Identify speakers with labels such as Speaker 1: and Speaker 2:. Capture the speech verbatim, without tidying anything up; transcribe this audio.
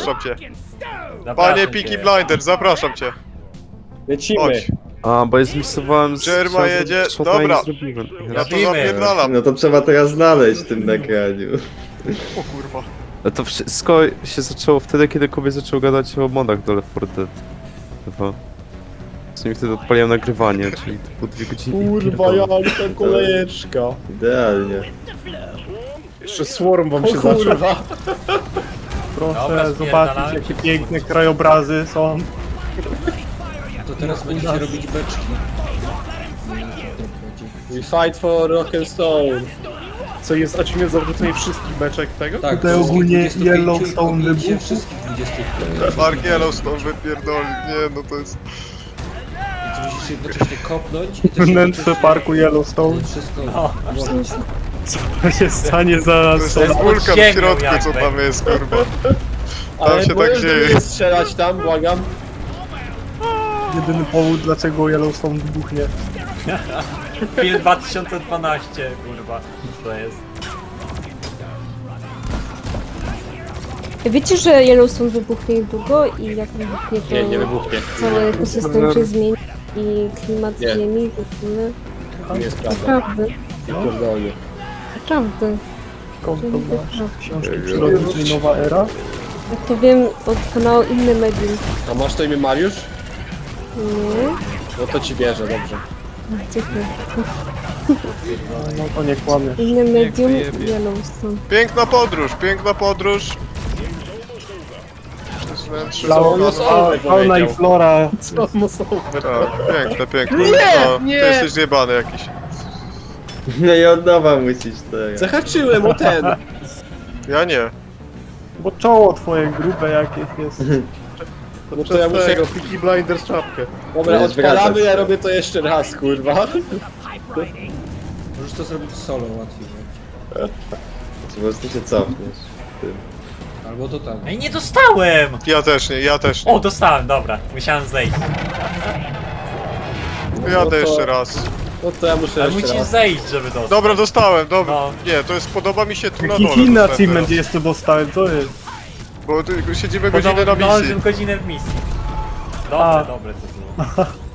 Speaker 1: zapraszam cię.
Speaker 2: Zapraszam
Speaker 1: Panie
Speaker 2: cię.
Speaker 1: Peaky Blinders, zapraszam cię.
Speaker 3: Lecimy.
Speaker 1: Chodź.
Speaker 4: A, bo ja zmisowałem z...
Speaker 1: Jerma
Speaker 4: chciałem
Speaker 1: jedzie-
Speaker 4: zrobić shota i
Speaker 1: dobra.
Speaker 4: nie zrobiłem.
Speaker 1: Ja to
Speaker 2: Robimy.
Speaker 1: zapierdalam.
Speaker 5: No to trzeba teraz znaleźć w tym nagraniu.
Speaker 1: O kurwa.
Speaker 4: No to wszystko się zaczęło wtedy, kiedy Kobiet zaczął gadać o modach do Left four Dead. Chyba. W sumie wtedy odpaliłem nagrywanie, czyli to było dwie godziny i
Speaker 3: Kurwa,
Speaker 4: pierdolę.
Speaker 3: ja ten kolejeczka.
Speaker 5: Idealnie.
Speaker 3: Jeszcze swarm wam
Speaker 6: O
Speaker 3: się zaczął.
Speaker 6: kurwa.
Speaker 2: Dobra,
Speaker 6: Proszę
Speaker 2: spierdalamy.
Speaker 6: zobaczyć, jakie piękne krajobrazy są.
Speaker 7: To teraz będziecie robić beczki.
Speaker 3: We fight for rock and stone.
Speaker 6: Co jest achievement za wrzucenie wszystkich beczek tego?
Speaker 7: Tak,
Speaker 6: Tutaj
Speaker 7: wszystkich
Speaker 6: ogólnie
Speaker 7: dwudziestu pięciu
Speaker 6: Yellowstone
Speaker 7: i pobicie
Speaker 6: wybuchł.
Speaker 7: wszystkich dwudziestu pięciu.
Speaker 1: Mark Yellowstone wypierdoli. Nie, no to jest...
Speaker 7: Więc musisz jednocześnie kopnąć i też
Speaker 6: Wnętrze
Speaker 7: jednocześnie
Speaker 6: parku Yellowstone.
Speaker 7: wszystko
Speaker 2: No.
Speaker 7: włożyć.
Speaker 6: Co się stanie za
Speaker 1: To jest
Speaker 6: sto
Speaker 1: ten
Speaker 6: lat?
Speaker 1: wulkan w
Speaker 2: sięgnął
Speaker 1: środku, co
Speaker 2: jakby.
Speaker 1: tam jest, kurwa. Tam
Speaker 3: Ale
Speaker 1: się tak
Speaker 3: możesz do
Speaker 1: dzieje.
Speaker 3: mnie strzelać tam, błagam.
Speaker 6: Jedyny powód, dlaczego Yellowstone wybuchnie.
Speaker 2: Film dwa tysiące dwanaście, kurwa. To jest.
Speaker 8: Wiecie, że Yellowstone wybuchnie niedługo i jak wybuchnie to
Speaker 3: Nie, nie wybuchnie.
Speaker 8: cały ekosystem się zmieni i klimat
Speaker 3: Nie.
Speaker 8: ziemi w ogóle.
Speaker 3: Nie jest prawda.
Speaker 8: Naprawdę,
Speaker 3: Nie pierdolnie.
Speaker 8: naprawdę.
Speaker 6: Skąd to masz?
Speaker 8: Naprawdę.
Speaker 6: Książki przyrodniczej Nowa Era?
Speaker 8: Jak to wiem od kanału Inny Medium.
Speaker 3: A masz to imię Mariusz?
Speaker 8: Nie?
Speaker 3: No to ci wierzę, dobrze.
Speaker 8: Dziękuję.
Speaker 6: No to nie kłamie.
Speaker 8: Inny Medium Yellowstone.
Speaker 1: Piękna podróż, piękna podróż. Przez wnętrze
Speaker 6: Fauna,
Speaker 1: samochodu.
Speaker 6: fauna i flora.
Speaker 3: Co mocno.
Speaker 1: Tak, piękne, piękne.
Speaker 3: Nie,
Speaker 1: No,
Speaker 3: nie.
Speaker 1: Ty jesteś zjebany jakiś.
Speaker 5: No i od nowa musisz teraz.
Speaker 3: Zahaczyłem o ten.
Speaker 1: Ja nie.
Speaker 6: Bo czoło twoje grube jakieś jest.
Speaker 3: No to ja muszę go...
Speaker 6: Peaky Blinders czapkę.
Speaker 3: Dobra,
Speaker 5: Będziesz
Speaker 3: odpalamy,
Speaker 5: wracać.
Speaker 3: ja robię to jeszcze raz, kurwa.
Speaker 7: Możesz to zrobić solo łatwiej. nie?
Speaker 5: Po prostu się cofniesz. Ty.
Speaker 7: Albo to tak.
Speaker 2: Ej, nie dostałem!
Speaker 1: Ja też nie, ja też nie.
Speaker 2: O, dostałem, dobra. Musiałem zejść.
Speaker 1: Jadę
Speaker 3: to-
Speaker 1: jeszcze raz.
Speaker 3: No to ja muszę
Speaker 2: Ale
Speaker 3: jeszcze
Speaker 2: musisz
Speaker 3: raz.
Speaker 2: zejść, żeby dostać.
Speaker 1: Dobra, dostałem, dobra.
Speaker 2: No.
Speaker 1: Nie, to jest, podoba mi się tu na
Speaker 6: Jaki
Speaker 1: dole.
Speaker 6: inny
Speaker 1: dostałem
Speaker 6: achievement
Speaker 1: teraz.
Speaker 6: jest, co dostałem, co jest?
Speaker 1: Bo ty, siedzimy godzinę na misji.
Speaker 2: Zdążył godzinę w misji. Dobre,
Speaker 6: A.
Speaker 2: dobre to było.